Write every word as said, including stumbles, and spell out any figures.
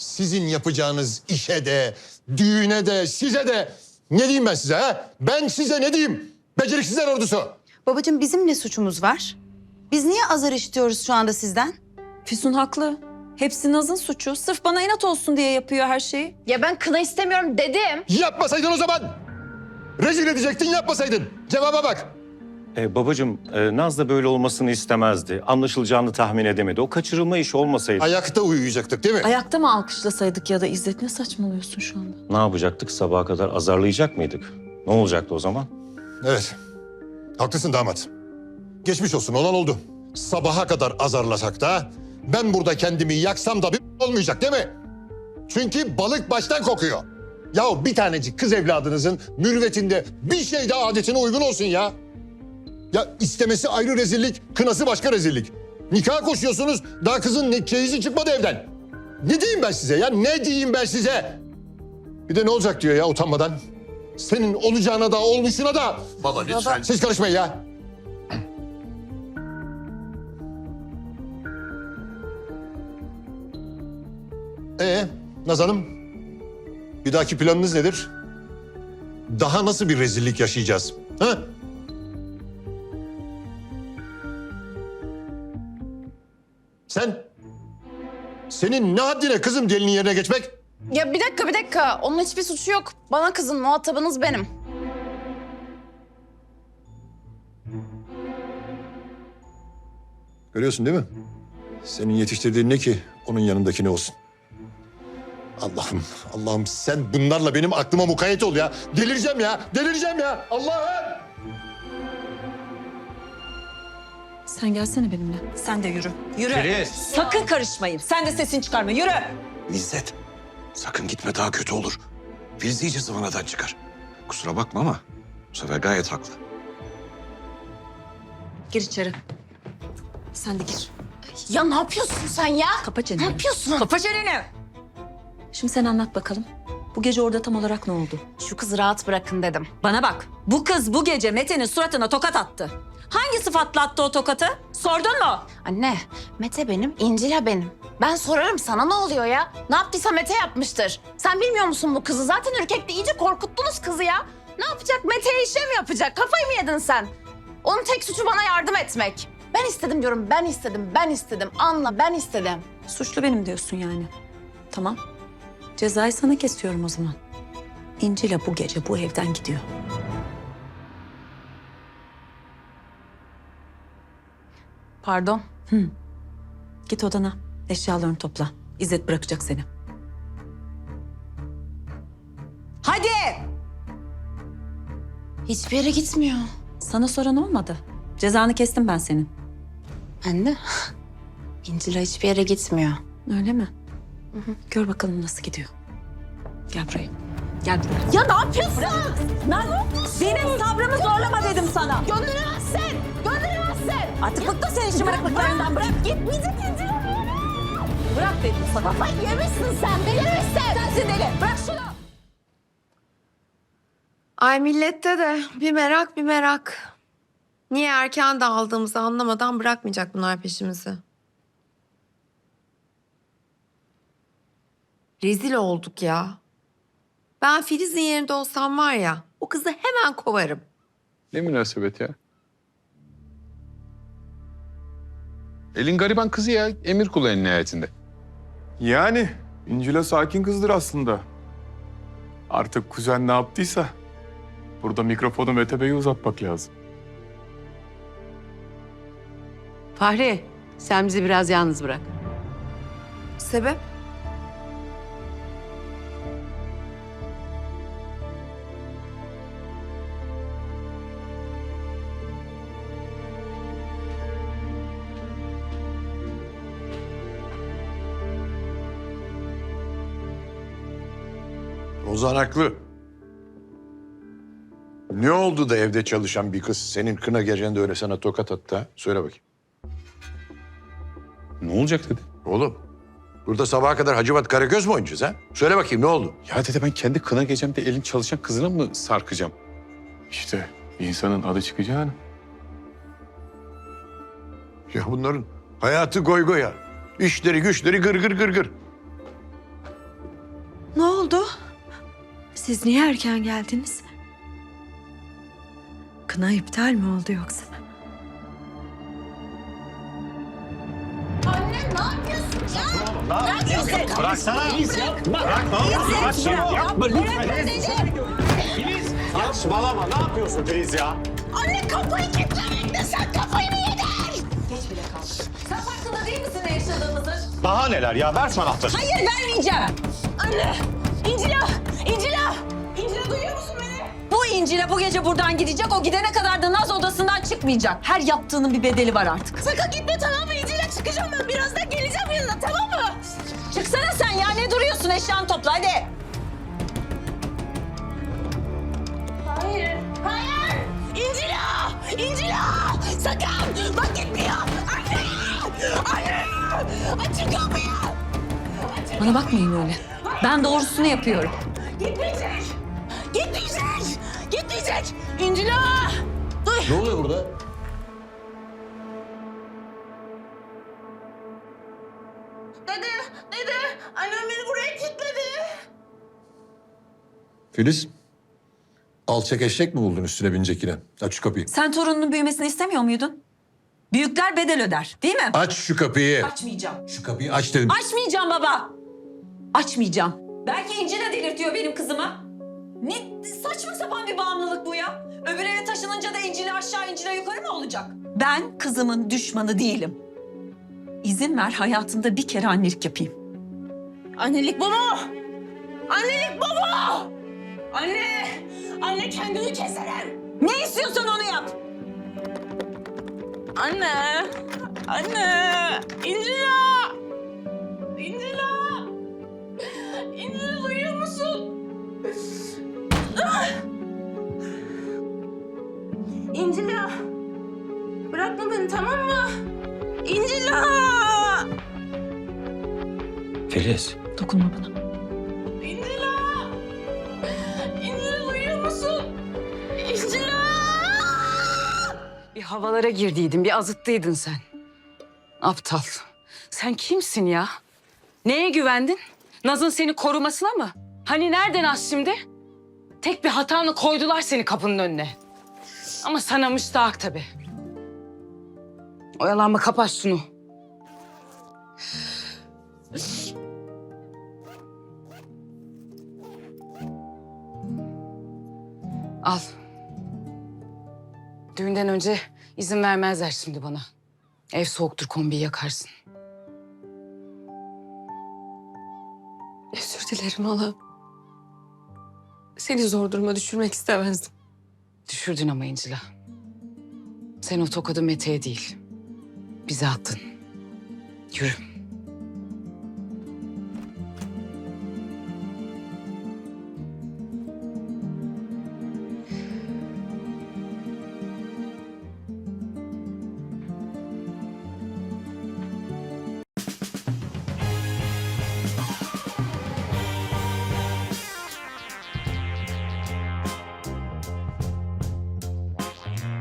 Sizin yapacağınız işe de, düğüne de, size de ne diyeyim ben size ha? Ben size ne diyeyim? Beceriksizler ordusu. Babacığım bizim ne suçumuz var? Biz niye azar işitiyoruz şu anda sizden? Füsun haklı. Hepsi Naz'ın suçu. Sırf bana inat olsun diye yapıyor her şeyi. Ya ben kına istemiyorum dedim. Yapmasaydın o zaman. Rezil edecektin, yapmasaydın. Cevaba bak. Ee, babacığım, e, Naz da böyle olmasını istemezdi. Anlaşılacağını tahmin edemedi. O kaçırılma işi olmasaydı Ayakta uyuyacaktık değil mi? Ayakta mı alkışlasaydık ya da İzzet, ne saçmalıyorsun şu anda? ne yapacaktık? Sabaha kadar azarlayacak mıydık? Ne olacaktı o zaman? Evet. Haklısın damat. Geçmiş olsun, olan oldu. Sabaha kadar azarlasak da ben burada kendimi yaksam da bir olmayacak değil mi? Çünkü balık baştan kokuyor. Ya bir tanecik kız evladınızın mürüvvetinde bir şey de adetine uygun olsun ya. Ya istemesi ayrı rezillik, kınası başka rezillik. Nikaha koşuyorsunuz, daha kızın ne, çeyizi çıkmadı evden. Ne diyeyim ben size ya, ne diyeyim ben size? Bir de ne olacak diyor ya utanmadan. Senin olacağına da olmuşuna da. Baba lütfen. Siz karışmayın ya. Ee, Naz Hanım, bir dahaki planınız nedir? Daha nasıl bir rezillik yaşayacağız? Ha? Sen? Senin ne haddine kızım gelinin yerine geçmek? Ya bir dakika bir dakika. Onun hiçbir suçu yok. Bana kızın muhatabınız benim. Görüyorsun değil mi? Senin yetiştirdiğin ne ki onun yanındaki ne olsun? Allah'ım, Allah'ım sen bunlarla benim aklıma mukayyet ol ya. Delireceğim ya, delireceğim ya. Allah'ım! Sen gelsene benimle. Sen de yürü. Yürü. Filiz. Sakın karışmayın. Sen de sesini çıkarma. Yürü. İzzet, sakın gitme daha kötü olur. Filiz iyice zıvanadan çıkar. Kusura bakma ama bu sefer gayet haklı. Gir içeri. Sen de gir. Ya ne yapıyorsun sen ya? Kapa çeneni. Ne yapıyorsun? Kapa çeneni. Şimdi sen anlat bakalım. Bu gece orada tam olarak ne oldu? Şu kızı rahat bırakın dedim. Bana bak. Bu kız bu gece Mete'nin suratına tokat attı. Hangi sıfatla attı o tokatı? Sordun mu? Anne, Mete benim, İncil'a benim. Ben sorarım sana ne oluyor ya? Ne yaptıysa Mete yapmıştır. Sen bilmiyor musun bu kızı? Zaten ürkekti, iyice korkuttunuz kızı ya. Ne yapacak? Mete'ye işe mi yapacak? Kafayı mı yedin sen? Onun tek suçu bana yardım etmek. Ben istedim diyorum, ben istedim, ben istedim. Anla, ben istedim. Suçlu benim diyorsun yani. Tamam. Cezayı sana kesiyorum o zaman. İncil'e bu gece bu evden gidiyor. Pardon. Git odana. Eşyalarını topla. İzzet bırakacak seni. Hadi! Hiçbir yere gitmiyor. Sana soran olmadı. Cezanı kestim ben senin. Anne, İncil'a hiçbir yere gitmiyor. Öyle mi? Gör bakalım nasıl gidiyor. Gel buraya. Gel buraya. Ya ne yapıyorsun? Lan benim sabrımı zorlama dedim sana. Gönderemezsin! Gönderemezsin! Artık bıktım senin şımarıklıklarından. Bırak. Gitmeyecek İncil'a. Bırak dedim sana. Kafayı yemişsin sen, delirmişsin! Sensin deli. Bırak şunu. Ay millette de bir merak bir merak. Niye erken dağıldığımızı anlamadan bırakmayacak bunlar peşimizi. Rezil olduk ya. Ben Filiz'in yerinde olsam var ya, o kızı hemen kovarım. Ne münasebet ya? Elin gariban kızı ya. Emir kulu en nihayetinde. Yani İncil'e sakin kızdır aslında. Artık kuzen ne yaptıysa burada mikrofonu Mete Bey'e uzatmak lazım. Fahri, sen bizi biraz yalnız bırak. Sebep? Ozan haklı. Ne oldu da evde çalışan bir kız senin kına gecende öyle sana tokat attı ha? Söyle bakayım. Ne olacak dedi. Oğlum, burada sabaha kadar Hacivat Karagöz mü oynayacağız ha? Söyle bakayım ne oldu? Ya dede ben kendi kına gecemde elin çalışan kızına mı sarkacağım? İşte insanın adı çıkacağını. Ya bunların hayatı goy goya. İşleri güçleri gır gır gır gır. oldu? Siz niye erken geldiniz? Kına iptal mi oldu yoksa? Anne ne yapıyorsun ya? Ne yapıyorsun? Bıraksana. Filiz yapma. Bırak ne yapıyorsun? Bırak şunu. Yapma lütfen. Filiz saçmalama. Ne yapıyorsun Filiz ya? Anne kafayı kilitlemekle sen kafayı mı yedin? Geç bile kaldı. Sen farkında değil misin ne yaşadığımızın? Daha neler ya? Ver şu anahtarı. Hayır vermeyeceğim. Anne! İncila! İncila! İncila duyuyor musun beni? Bu İncil'e bu gece buradan gidecek. O gidene kadar da Naz odasından çıkmayacak. Her yaptığının bir bedeli var artık. Sakın gitme tamam mı? İncila çıkacağım ben. Birazdan geleceğim yanına tamam mı? Çıksana sen ya. Ne duruyorsun? Eşyanı topla hadi. Hayır. Hayır! İncila! İncila! Sakın! Bak gitmiyor! Anne! Anne! Açın kapıyı! Bana bakmayın öyle. Ben doğrusunu yapıyorum. Gitmeyecek! Gitmeyecek! Gitmeyecek! İncila! Dur! Ne oluyor burada? Dede! Dede! Annem beni buraya kilitledi. Filiz, alçak eşek mi buldun üstüne binecek yine? Aç şu kapıyı. Sen torununun büyümesini istemiyor muydun? Büyükler bedel öder, değil mi? Aç şu kapıyı. Açmayacağım. Şu kapıyı aç dedim. Açmayacağım baba. Açmayacağım. Belki İnci de delirtiyor benim kızıma. Ne saçma sapan bir bağımlılık bu ya. Öbür eve taşınınca da İncil'e aşağı İncil'e yukarı mı olacak? Ben kızımın düşmanı değilim. İzin ver hayatımda bir kere annelik yapayım. Annelik bu mu? Annelik bu mu? Anne! Anne kendimi keserim. Ne istiyorsan onu yap. Anne! Anne! İncila! İncila! İncila duyuyor musun? Ah! İncila! Bırakma beni tamam mı? İncila! Filiz. Dokunma bana. İncila! İncila duyuyor musun? İncila! Bir havalara girdiydin, bir azıttıydın sen. Aptal. Sen kimsin ya? Neye güvendin? Naz'ın seni korumasına mı? Hani nereden Naz şimdi? Tek bir hatanla koydular seni kapının önüne. Ama sana müstahak tabii. Oyalanma, kapat şunu. Al. Düğünden önce izin vermezler şimdi bana. Ev soğuktur, kombiyi yakarsın. Özür dilerim hala. Seni zor duruma düşürmek istemezdim. Düşürdün ama İncila. Sen o tokadı Mete'ye değil, bize attın. Yürü.